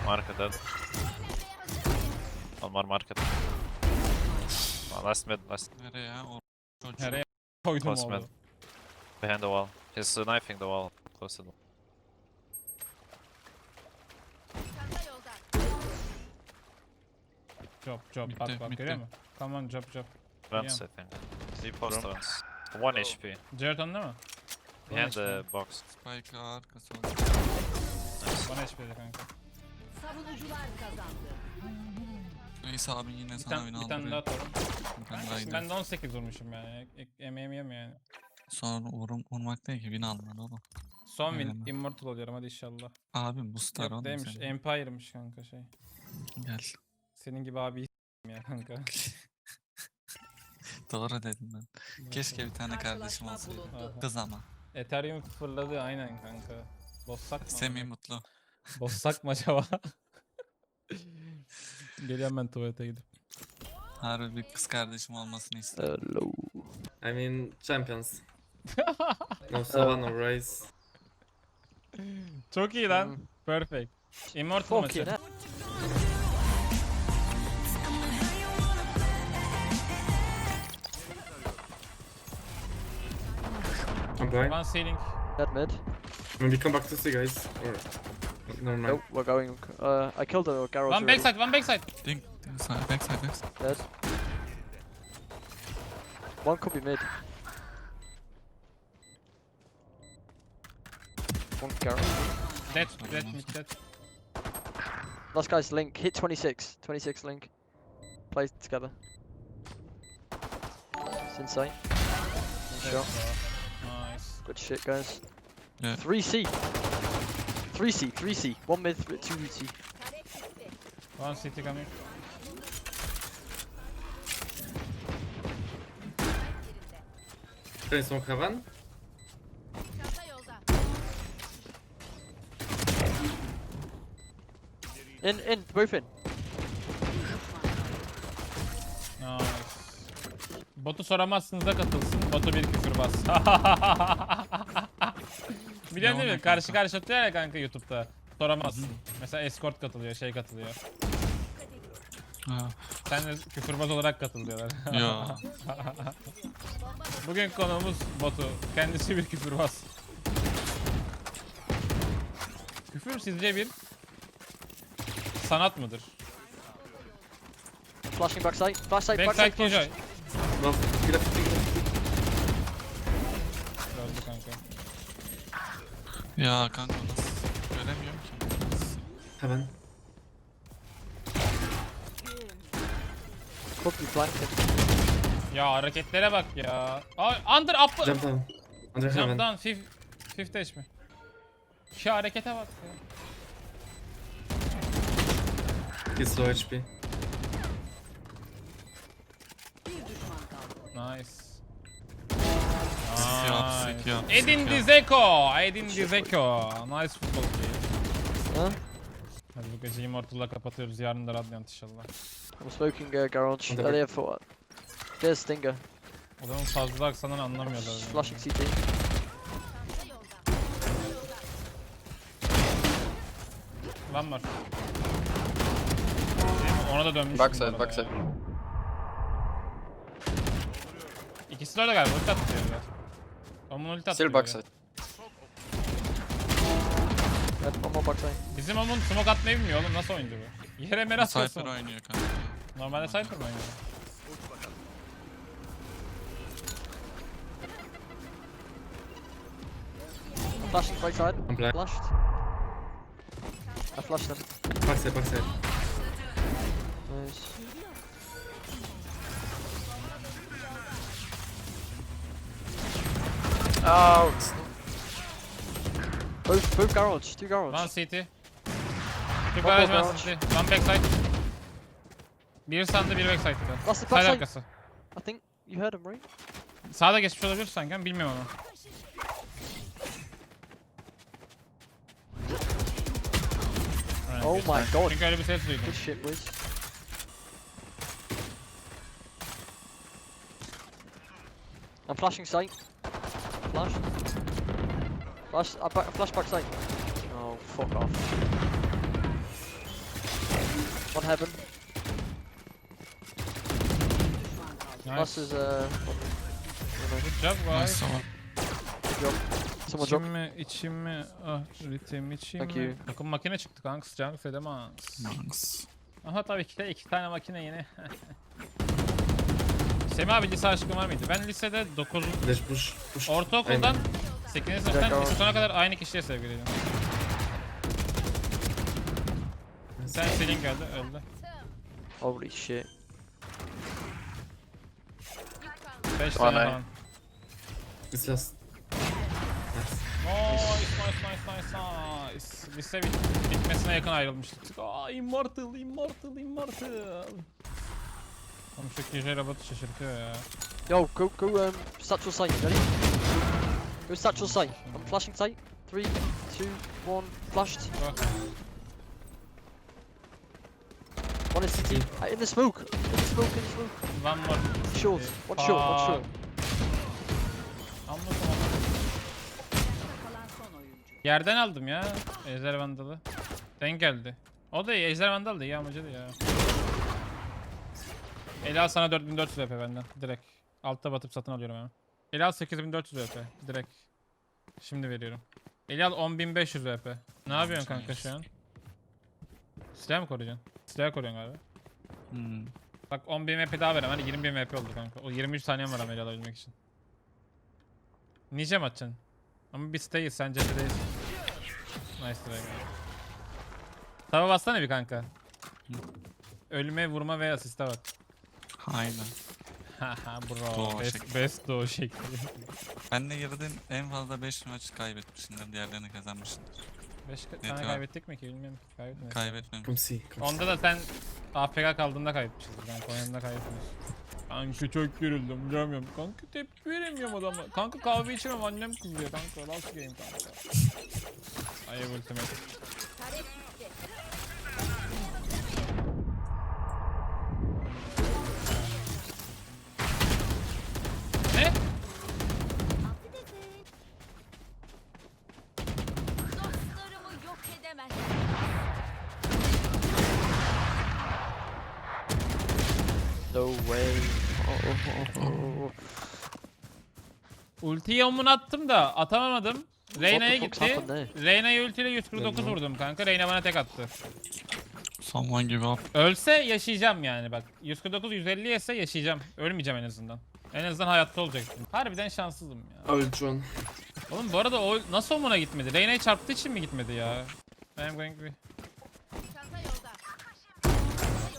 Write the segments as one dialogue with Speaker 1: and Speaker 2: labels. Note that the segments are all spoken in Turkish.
Speaker 1: Market dead. One more market. Last mid, last.
Speaker 2: Nereye ya? O çocuk.
Speaker 3: Nereye koydum
Speaker 1: Close
Speaker 3: oğlum?
Speaker 1: mid. Behind the wall. He's knifing the wall. Close to the wall.
Speaker 3: Job
Speaker 2: Bitti,
Speaker 3: bak bak
Speaker 2: bitti.
Speaker 3: görüyor musun? Come on job.
Speaker 1: Runs, I think. He post runs. 1 HP.
Speaker 3: Jeraton değil mi?
Speaker 1: Behind the box.
Speaker 2: Spike arkası var.
Speaker 3: 1 HP'de kanka.
Speaker 4: Savunucular kazandı.
Speaker 2: Neyse abi yine
Speaker 3: Bir,
Speaker 2: sana win
Speaker 3: bir tane daha
Speaker 2: aldırıyor.
Speaker 3: atalım.
Speaker 2: Bir tane daha
Speaker 3: Şimdi
Speaker 2: gidelim.
Speaker 3: ben de 18 vurmuşum yani. Emeğim yem yani.
Speaker 2: Sonra vurmak değil ki win alman oğlum.
Speaker 3: Son win.
Speaker 2: Aynen.
Speaker 3: Immortal oluyorum hadi inşallah.
Speaker 2: Abi bu star
Speaker 3: Yok
Speaker 2: oğlum
Speaker 3: değilmiş.
Speaker 2: senin.
Speaker 3: Empire'mış kanka şey.
Speaker 2: Gel.
Speaker 3: Senin gibi abi ya kanka.
Speaker 2: Doğru dedim ben. Keşke bir tane kardeşim olsaydı.
Speaker 3: Aha.
Speaker 2: Kız ama.
Speaker 3: Ethereum fırladı aynen kanka. Bozsak mı?
Speaker 2: Semih mutlu.
Speaker 3: Bozsak mı acaba? Geliyorum ben tuvalete gidip.
Speaker 2: Harbi bir kız kardeşim olmasını istedim.
Speaker 5: Hello.
Speaker 6: I mean, champions. No Sova, no Raze.
Speaker 3: Çok iyi lan. Perfect. Immortal
Speaker 5: Fuck
Speaker 3: maçı.
Speaker 5: it.
Speaker 6: I'm blind.
Speaker 3: One ceiling.
Speaker 5: Dead mid.
Speaker 6: Maybe come back to see, guys. Or never mind.
Speaker 5: Nope, we're going. I killed the garage.
Speaker 3: One backside, one backside.
Speaker 2: Ding. Side, backside.
Speaker 5: Dead. One could be mid. One garage.
Speaker 3: Dead, mid, dead.
Speaker 5: Last guy's link. Hit 26. 26 link. Play together. It's insane. Good shot.
Speaker 3: Nice.
Speaker 5: Good shit, guys.
Speaker 2: Yeah.
Speaker 5: 3C. 3C. One mid, 2C.
Speaker 3: One city coming.
Speaker 6: Can smoke heaven?
Speaker 5: In, both in.
Speaker 3: Nice. Botu soramazsınız da katılsın. Botu bir küfürbaz. Biliyorsun değil mi? Karşı karşı atıyor ya kanka YouTube'da. Soramazsın. Mesela escort katılıyor, şey katılıyor.
Speaker 2: Ha.
Speaker 3: Sen de küfürbaz olarak katılıyorlar.
Speaker 2: Yo.
Speaker 3: Bugün konuğumuz Botu. Kendisi bir küfürbaz. Küfür sizce bir sanat mıdır?
Speaker 5: Flashing backside. Backside.
Speaker 3: Backside Killjoy.
Speaker 6: Last, get up,
Speaker 3: Öldü kanka.
Speaker 2: Ya kanka nasıl? Göremiyorum ki.
Speaker 6: heaven.
Speaker 5: Could be flanking.
Speaker 3: Ya hareketlere bak ya. Aa, under up.
Speaker 6: Jump down. Under
Speaker 3: Jump
Speaker 6: heaven.
Speaker 3: down. Fifth edge mi? Şu harekete bak ya.
Speaker 6: He's low HP.
Speaker 3: Nice.
Speaker 2: Sık yap.
Speaker 3: Edin Dzeko. Nice football game.
Speaker 5: Huh?
Speaker 3: Hadi bu gece Immortal'la kapatıyoruz. Yarın da Radiant inşallah.
Speaker 5: I'm smoking garage.
Speaker 6: On the
Speaker 5: Earlier for what? There's Stinger.
Speaker 3: Adamın fazla aksanını anlamıyorlar. yani.
Speaker 5: Flashing CT.
Speaker 3: Lan var. Değil mi? Ona da dönmüş.
Speaker 7: Backside.
Speaker 3: İkisi de öyle galiba. Ulti atıyor biraz. Onun ulti atıyor.
Speaker 7: Still backside.
Speaker 5: Dead. One more backside.
Speaker 3: Bizim Omun smoke atmayı bilmiyor oğlum. Nasıl oyuncu bu? Yere mer
Speaker 2: Cypher
Speaker 3: atıyorsun.
Speaker 2: oynuyor kanka.
Speaker 3: Normalde Cypher mı oynuyor?
Speaker 5: Flashing backside.
Speaker 6: I'm blind.
Speaker 5: Flashed. I flashed him.
Speaker 6: Backside.
Speaker 5: Nice.
Speaker 7: Out!
Speaker 5: Both garage. Two garage.
Speaker 3: One CT. Bir
Speaker 5: Bak,
Speaker 3: baraj
Speaker 5: bak,
Speaker 3: var CT. One backside. Bir sandı bir backside'da.
Speaker 5: That's the
Speaker 3: Side
Speaker 5: backside.
Speaker 3: arkası.
Speaker 5: I think you heard him, right?
Speaker 3: Sağda geçmiş olabilir sanki ama bilmiyorum onu. Aynen,
Speaker 5: Oh
Speaker 3: geçti.
Speaker 5: my god.
Speaker 3: Çünkü öyle bir ses duydum.
Speaker 5: Good shit, boys. I'm flashing sight. Flash. Flash. Flash backside. Oh, fuck off. One heaven. Plus
Speaker 3: Nice.
Speaker 5: is
Speaker 3: Good job guys.
Speaker 2: Nice.
Speaker 5: good job. Someone drop.
Speaker 3: İçim mi? Ah ritim içim
Speaker 5: Thank
Speaker 3: mi?
Speaker 5: you.
Speaker 3: Takım makine çıktı kanka. Sıcak fedemans.
Speaker 2: Nice.
Speaker 3: Aha tabii ki de 2 tane makine yine. Semih abi lise aşkın var mıydı? Ben lisede 9.
Speaker 6: Flash push. Push.
Speaker 3: Ortaokuldan 8. sınıftan
Speaker 5: Dakika.
Speaker 3: lise sona kadar aynı kişiye sevgiliydim. Sen Selin geldi öldü.
Speaker 5: Holy shit.
Speaker 3: 5
Speaker 1: One
Speaker 3: tane
Speaker 1: eye.
Speaker 3: falan.
Speaker 6: It's last.
Speaker 3: Nice. Lise bitmesine yakın ayrılmıştık. Aa immortal. Oğlum şu KJ robotu şaşırtıyor ya.
Speaker 5: Yo, go satchel site. Ready? Go satchel site. I'm flashing site. 3, 2, 1. Flashed.
Speaker 3: Bak.
Speaker 5: One is CT. In the smoke. In the smoke.
Speaker 3: One more.
Speaker 5: Short. One short. One short.
Speaker 3: Anladım.
Speaker 4: Kalan son oyuncu.
Speaker 3: Yerden aldım ya. Ejder Vandal'ı. Denk geldi. O da iyi. Ejder Vandal da iyi amacıydı ya. Elal sana 4400 VP benden. Direkt. Altta batıp satın alıyorum hemen. Elal 8400 VP. Direkt. Şimdi veriyorum. Elal 10500 VP. Ne yapıyorsun kanka şu an? Silah mı koruyacaksın? Silah koruyorsun galiba.
Speaker 2: Hmm.
Speaker 3: Bak 10.000 VP daha verem. Hani 20.000 VP oldu kanka. O 23 saniyem var ama Elal alabilmek için. Nice mi atacaksın? Ama biz stay'iz. Sen cephedeyiz. Nice try. Tava bassana bir kanka. Ölüme, vurma ve asiste bak.
Speaker 2: Aynen.
Speaker 3: Haha bro.
Speaker 2: Doğu
Speaker 3: Best,
Speaker 2: şekli.
Speaker 3: best doğu şekli.
Speaker 2: Benle girdiğin en fazla 5 maç kaybetmişsindir. Diğerlerini kazanmışsındır.
Speaker 3: 5 tane
Speaker 2: diyor?
Speaker 3: kaybettik mi ki bilmiyorum ki. Kaybetmedik.
Speaker 2: Kaybetmemiş.
Speaker 6: Come see. Come see.
Speaker 3: Onda da sen AFK kaldığında kaybetmişiz. Ben Konya'da kaybetmişiz. Kanka çok gerildim. Görmüyorum. Kanka tepki veremiyorum adama. Kanka kahve içemem annem kızıyor kanka. Last game kanka. I have ultimate. Ne?
Speaker 4: Dostlarımı yok edemez.
Speaker 5: No way. Oh.
Speaker 3: Ultiyi omuna attım da atamadım. Reyna'ya
Speaker 5: fuck's
Speaker 3: gitti.
Speaker 5: happened
Speaker 3: Reyna'ya ultiyle 149 vurdum kanka. Reyna bana tek attı.
Speaker 2: Someone give up.
Speaker 3: Ölse yaşayacağım yani bak. 149 150 yese yaşayacağım. Ölmeyeceğim en azından. En azından hayatta olacaktım. Harbiden şanssızım ya.
Speaker 6: Ultron.
Speaker 3: Oğlum bu arada o nasıl omuna gitmedi? Reyna'yı çarptığı için mi gitmedi ya? I am going to be...
Speaker 4: Çanta yolda. Çanta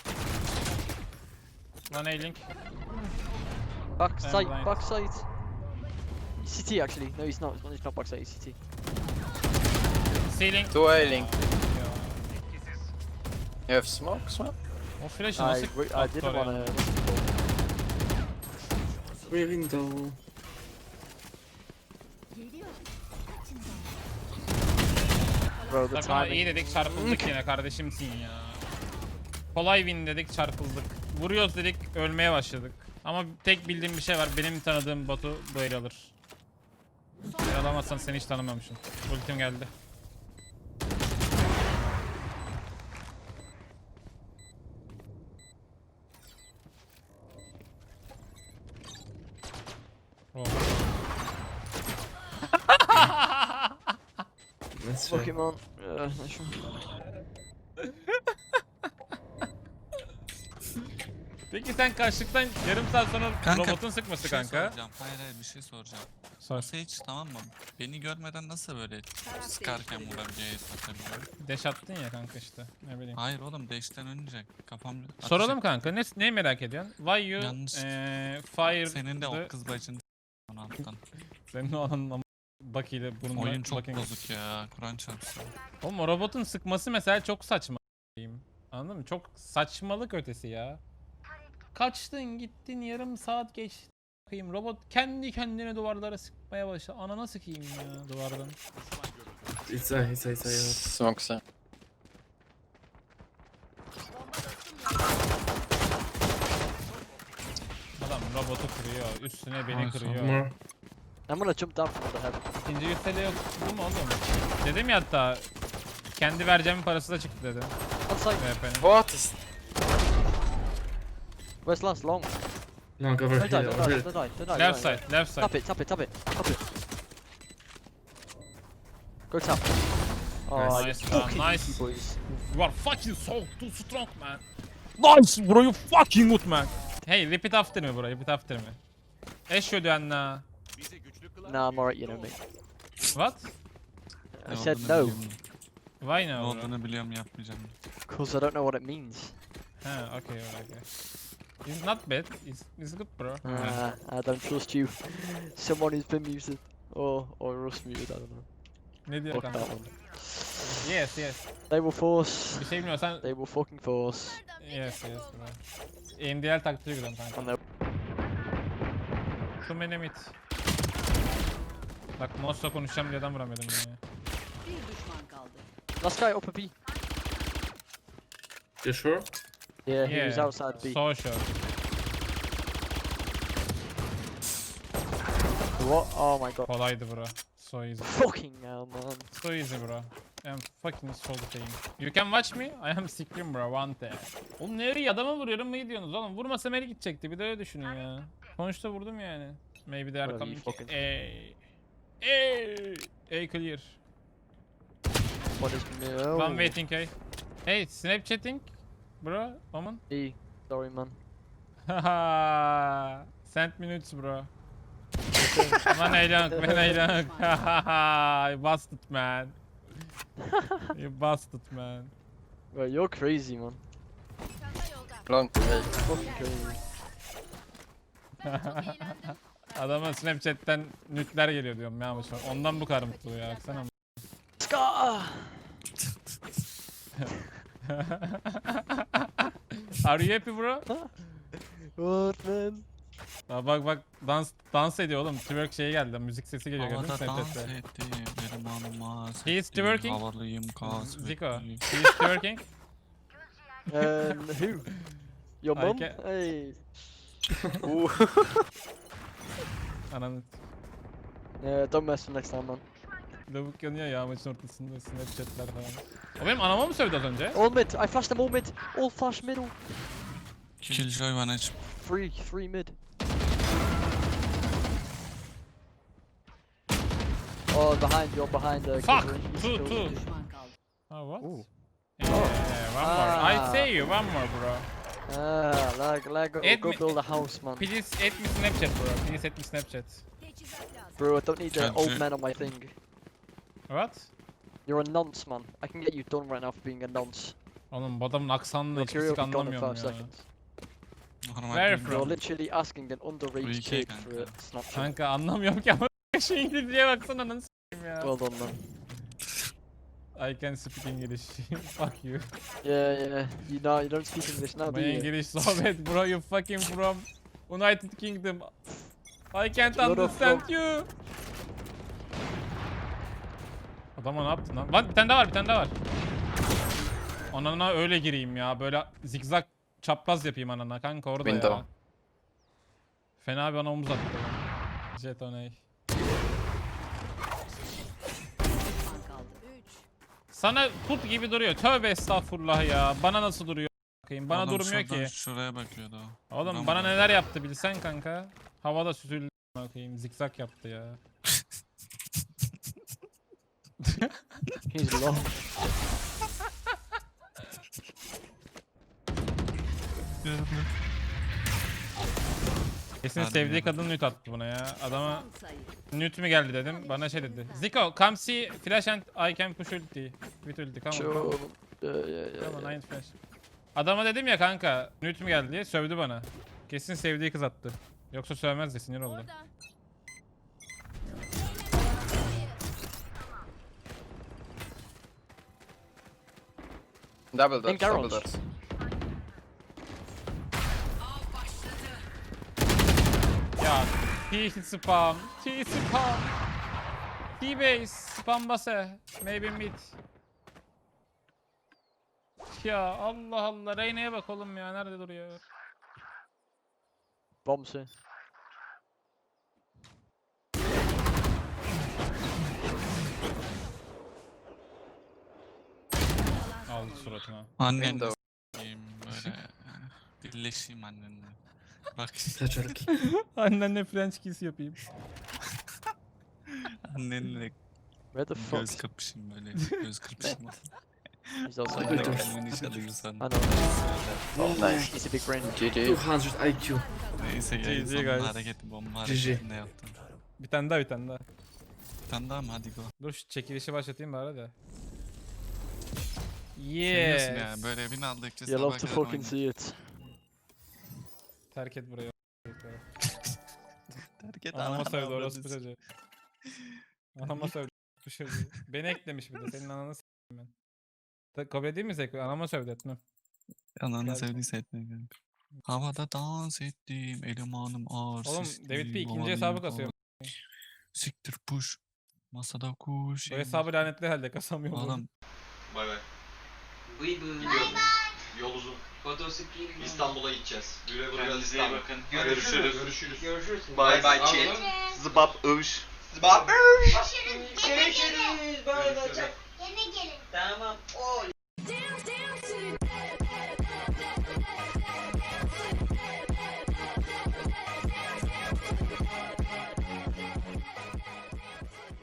Speaker 4: yolda.
Speaker 3: One A-Link.
Speaker 5: Backside.
Speaker 3: blind.
Speaker 5: Backside. CT actually. No, he's not. He's not backside. He's CT.
Speaker 3: C-Link.
Speaker 1: 2 A-Link.
Speaker 3: Ya.
Speaker 1: You have smoke?
Speaker 3: O flash'ı
Speaker 5: I
Speaker 3: nasıl
Speaker 5: didn't wanna.
Speaker 6: We're window.
Speaker 5: Bro, the
Speaker 3: Tabii ama iyi
Speaker 5: timing.
Speaker 3: dedik çarpıldık yine kardeşimsin ya. Kolay win dedik çarpıldık. Vuruyoruz dedik ölmeye başladık. Ama tek bildiğim bir şey var. Benim tanıdığım Batu bu el alır. El alamazsan seni hiç tanımamışım. Ultim geldi. Oh.
Speaker 6: Let's try.
Speaker 5: Pokemon. Nice one.
Speaker 3: Peki sen karşılıktan yarım saat sonra
Speaker 2: Kanka,
Speaker 3: robotun sıkması
Speaker 2: Bir şey
Speaker 3: kanka.
Speaker 2: soracağım. Hayır bir şey soracağım.
Speaker 3: Sor.
Speaker 2: Sage tamam mı? Beni görmeden nasıl böyle sıkarken vurabiliyor atabiliyor?
Speaker 3: Deş attın ya kanka işte. Ne bileyim.
Speaker 2: Hayır oğlum değişten önce kafam ateş
Speaker 3: Soralım
Speaker 2: et-
Speaker 3: kanka. Ne merak ediyorsun? Why you
Speaker 2: Yanlış.
Speaker 3: fire
Speaker 2: Senin de
Speaker 3: the-
Speaker 2: o kız bacın onu alttan.
Speaker 3: Senin o anın Bak ile burnuna
Speaker 2: Oyun çok
Speaker 3: bakayım.
Speaker 2: bozuk ya. Kur'an çarpsın.
Speaker 3: Oğlum o robotun sıkması mesela çok saçma. Anladın mı? Çok saçmalık ötesi ya. Kaçtın gittin yarım saat geçti. Bakayım robot kendi kendine duvarlara sıkmaya başladı. Anana sıkayım ya duvardan.
Speaker 6: It's a.
Speaker 1: Smoke side.
Speaker 3: Adam robotu kırıyor. Üstüne beni
Speaker 2: Ay,
Speaker 3: kırıyor.
Speaker 6: More.
Speaker 5: I'm gonna jump down from the heaven.
Speaker 3: İkinci yüzdeli yok. Bu mu oğlum? Dedim ya hatta. Kendi vereceğimin parası da çıktı dedim.
Speaker 5: On site.
Speaker 3: VP'nin.
Speaker 7: What is...
Speaker 5: Where's last? Long.
Speaker 6: Long over
Speaker 5: Don't die,
Speaker 6: here.
Speaker 5: don't
Speaker 6: Over
Speaker 5: die,
Speaker 6: here.
Speaker 5: don't die, don't die.
Speaker 3: Left
Speaker 5: right,
Speaker 3: side, left side.
Speaker 5: Tap it, tap it, tap it, tap it. Go tap. Oh,
Speaker 3: Nice,
Speaker 5: you
Speaker 3: man,
Speaker 5: fucking
Speaker 3: nice.
Speaker 5: easy boys.
Speaker 3: You are fucking so too strong, man. Nice, bro. You fucking good, man. Hey, repeat after me, bro. Repeat after me. Eşhedü enne.
Speaker 5: Nah, I'm alright, you know me.
Speaker 3: What?
Speaker 5: I
Speaker 2: Ne
Speaker 5: said
Speaker 2: olduğunu
Speaker 5: no,
Speaker 2: biliyorum.
Speaker 3: Why
Speaker 2: Ne
Speaker 3: no, bro?
Speaker 2: olduğunu biliyorum yapmayacağım.
Speaker 5: because I don't know what it means.
Speaker 3: Ha, okay, okay. It's not bad. It's good, bro.
Speaker 5: I don't trust you. Someone who's been muted. Or Rust muted, I don't know.
Speaker 3: Ne diyor
Speaker 5: Fuck
Speaker 3: kanka?
Speaker 5: that one.
Speaker 3: Yes, yes.
Speaker 5: They will force.
Speaker 3: Bir şey bilmiyorsan
Speaker 5: They will fucking force.
Speaker 3: yes, yes, bro. NDL taktiği gidiyorum kanka.
Speaker 5: And they
Speaker 3: Too many mid. Bak mouse'la konuşacağım diye adam vuramıyordum ya.
Speaker 4: Bir düşman kaldı.
Speaker 5: last guy upper B.
Speaker 6: You sure?
Speaker 5: Yeah, he was outside B.
Speaker 3: So sure.
Speaker 5: What? Oh my god.
Speaker 3: Kolaydı bro. So easy.
Speaker 5: Fucking hell, man.
Speaker 3: So easy bro. I'm fucking so saying. You can watch me. I am scream bro. One tap. Oğlum nereye adama vuruyorum mı gidiyorsunuz oğlum? Vurmasam eli gidecekti. Bir de öyle düşünün ya. Sonuçta vurdum yani. Maybe they are
Speaker 5: Whatever, you
Speaker 3: coming.
Speaker 5: fucking-
Speaker 3: A clear.
Speaker 5: What is no?
Speaker 3: One waiting A. Hey Snapchatting. Bro. Woman.
Speaker 5: E. Sorry, man.
Speaker 3: Haha. Send minutes bro. Man eğlenk, man eğlenk. You busted man. You busted man.
Speaker 5: Bro, you're crazy, man.
Speaker 4: Çanta yolda.
Speaker 7: Long way.
Speaker 5: Fucking crazy.
Speaker 4: Ben çok eğlendim.
Speaker 3: Adama Snapchat'ten nükler geliyor diyorum ya bu şu an. Ondan bu kadar mutlu ya. Baksana.
Speaker 5: Scar!
Speaker 3: Are you happy bro?
Speaker 5: What, man?
Speaker 3: Aa, bak dans ediyor oğlum. Twerk şeyi geldi. Müzik sesi geliyor gördün mü
Speaker 2: Havada dans
Speaker 3: Snapchat'te?
Speaker 2: etti, benim anıma
Speaker 3: He is twerking.
Speaker 2: Havalıyım kasvetli.
Speaker 3: Zico. He is twerking.
Speaker 5: Who? Your
Speaker 3: I
Speaker 5: mum?
Speaker 3: ca-
Speaker 5: Hey.
Speaker 3: Ananı.
Speaker 5: Yeah, don't mess with next time, man.
Speaker 3: Lavuk yanıyor ya maçın ortasında Snapchat'ler falan. O benim anama mı sövdü az önce?
Speaker 5: All mid. I flashed them all mid. All flash middle.
Speaker 2: Killjoy bana hiç
Speaker 5: Three mid. Oh, behind. You're behind.
Speaker 3: Fuck!
Speaker 5: Killjoy. He's
Speaker 3: Two,
Speaker 5: killed
Speaker 3: two.
Speaker 5: you.
Speaker 4: Düşman kaldı.
Speaker 3: Oh what?
Speaker 5: Ooh.
Speaker 3: Yeah, one more. I
Speaker 5: Ah.
Speaker 3: say you one more bro.
Speaker 5: Lag. Go
Speaker 3: Admin-
Speaker 5: build a house, man.
Speaker 3: Please add me Snapchat bro. Please add me Snapchat.
Speaker 4: Teçhizat lazım.
Speaker 5: Bro, I don't need the
Speaker 2: Can't
Speaker 5: old
Speaker 2: you-
Speaker 5: man on my thing.
Speaker 3: What?
Speaker 5: You're a nonce, man. I can get you done right now for being a nonce.
Speaker 3: Oğlum bu adamın aksanını
Speaker 5: Your
Speaker 3: hiçbir
Speaker 5: career
Speaker 3: sik
Speaker 5: will be gone in 5
Speaker 3: anlamıyorum ya.
Speaker 5: seconds.
Speaker 2: normal
Speaker 3: Where
Speaker 2: değil
Speaker 3: from?
Speaker 2: mi?
Speaker 5: You're literally asking an underage
Speaker 2: Free
Speaker 5: kid
Speaker 2: kick,
Speaker 5: for
Speaker 2: kanka.
Speaker 5: a Snapchat.
Speaker 3: Kanka anlamıyorum ki ama şu İngilizceye baksana nasıl s**eyim ya.
Speaker 5: Well done, man.
Speaker 3: I can speak English. Fuck you.
Speaker 5: Yeah. You don't speak English now, do
Speaker 3: My
Speaker 5: you?
Speaker 3: English so bad bro. You fucking from United Kingdom. I can't
Speaker 5: You're
Speaker 3: understand
Speaker 5: from-
Speaker 3: you. Adama ne yaptın lan? Lan bir tane daha var, bir tane daha var. Anana öyle gireyim ya. Böyle zigzag çapraz yapayım anana kanka orada ya.
Speaker 7: Window.
Speaker 3: Fena bir ana omuz attı. Jetoney.
Speaker 4: Düşman kaldı. 3.
Speaker 3: Sana put gibi duruyor. Tövbe estağfurullah ya. Bana nasıl duruyor? Bakayım. Bana
Speaker 2: Adam
Speaker 3: durmuyor
Speaker 2: şuradan
Speaker 3: ki.
Speaker 2: Şuraya bakıyordu o.
Speaker 3: Oğlum
Speaker 2: Adam
Speaker 3: bana
Speaker 2: var.
Speaker 3: neler yaptı bilsen kanka. Havada süzüldü. Bakayım zigzag yaptı ya.
Speaker 5: He's long.
Speaker 3: Kesin
Speaker 2: Hadi
Speaker 3: sevdiği
Speaker 2: ya.
Speaker 3: kadın nüt attı buna ya. Adama
Speaker 4: Son sayı.
Speaker 3: nüt mü geldi dedim. Bana şey dedi. Zico come see flash and I can push ulti. With ulti come on.
Speaker 5: Sure.
Speaker 3: Come on.
Speaker 5: Yeah.
Speaker 3: Come on, I flash. Adama dedim ya kanka nüt mü geldi diye sövdü bana. Kesin sevdiği kız attı. Yoksa sövmezdi sinir oldu.
Speaker 4: Orada.
Speaker 7: Double doors,
Speaker 5: Think
Speaker 7: double
Speaker 5: arrows.
Speaker 7: doors.
Speaker 3: Ya T spam, T spam. T-base, spam base, maybe mid. Ya Allah Allah, Reyna'ya bak oğlum ya, nerede duruyor?
Speaker 5: Bombs here.
Speaker 3: Aldı suratına.
Speaker 2: Annenle s**eyim böyle. Birleşeyim annenle. Bak
Speaker 6: Kaçarık.
Speaker 3: Annenle French kiss yapayım.
Speaker 2: annenle
Speaker 5: Where the fuck?
Speaker 2: göz kapışayım böyle. Göz kırpışım.
Speaker 5: He's also
Speaker 2: Anne
Speaker 6: Wait,
Speaker 2: kalbini çalıyorsan.
Speaker 5: I know. He's a big brain.
Speaker 6: 200 IQ.
Speaker 2: Neyse
Speaker 3: GG
Speaker 2: ya. Son
Speaker 3: guys.
Speaker 2: hareketi bomba
Speaker 6: GG.
Speaker 2: hareketinde yaptım.
Speaker 3: Bir tane daha bir tane daha.
Speaker 2: Bir tane daha mı? Hadi go.
Speaker 3: Dur şu çekilişi başlatayım bari de.
Speaker 2: Seviyorsun
Speaker 3: Yes.
Speaker 2: ya. Böyle evini aldıkça
Speaker 5: You love
Speaker 2: sabah
Speaker 5: to
Speaker 2: kadar
Speaker 5: fucking
Speaker 2: oynuyor.
Speaker 5: see it.
Speaker 3: Terk et burayı.
Speaker 2: Terk et
Speaker 3: Anama
Speaker 2: ananı
Speaker 3: sövdü
Speaker 2: avradını
Speaker 3: orospu çocuğu. Anama sövdü orospu çocuğu. Beni eklemiş bir de senin ananı s**eyim ben. Kabul değil mi Zeko? Anama sövdü etmem.
Speaker 2: Ananı
Speaker 3: Geldi.
Speaker 2: sevdiyse etme kanka. Havada dans ettim, elemanım ağır
Speaker 3: Oğlum
Speaker 2: sesli,
Speaker 3: David P ikinci
Speaker 2: havalıyım
Speaker 3: hesabı kasıyor.
Speaker 2: falan. Siktir push. Masada kuş.
Speaker 3: Bu hesabı lanetli halde kasamıyor. bu.
Speaker 2: Adam
Speaker 7: Bay bay. Gidiyorum. Yol uzun. İstanbul'a gideceğiz. Güle güle İstanbul. Bakın. Görüşürüz. Görüşürüz. Görüşürüz. Bay bay chat. Zıbap övüş. Zıbap övüş.
Speaker 8: Görüşürüz. Böyle olacak. Yine gelin. Tamam. Oy.